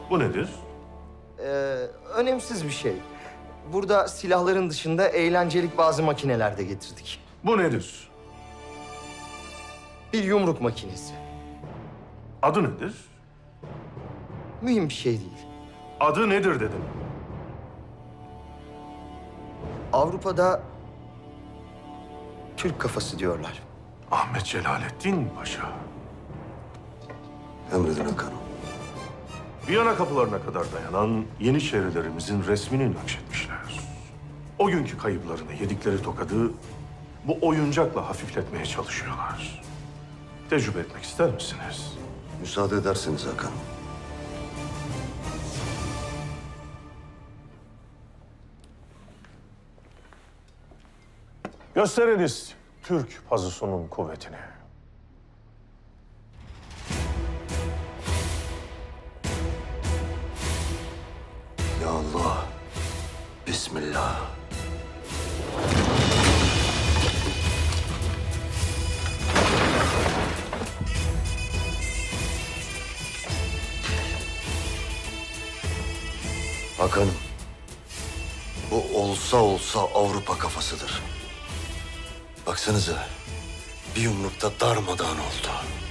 Bu nedir? Ee, önemsiz bir şey. Burada silahların dışında eğlencelik bazı makineler de getirdik. Bu nedir? Bir yumruk makinesi. Adı nedir? Mühim bir şey değil. Adı nedir dedim. Avrupa'da Türk kafası diyorlar. Ahmet Celalettin Paşa. Emredin Hakan'ım. Viyana kapılarına kadar dayanan Yeniçerilerimizin resmini nakşetmişler. O günkü kayıplarını yedikleri tokadı bu oyuncakla hafifletmeye çalışıyorlar. Tecrübe etmek ister misiniz? Müsaade ederseniz Hakan'ım. Gösteriniz Türk pazusunun kuvvetini. Ya Allah. Bismillah. Hakan'ım. Bu olsa olsa Avrupa kafasıdır. Baksanıza. Bir yumrukta darmadağın oldu.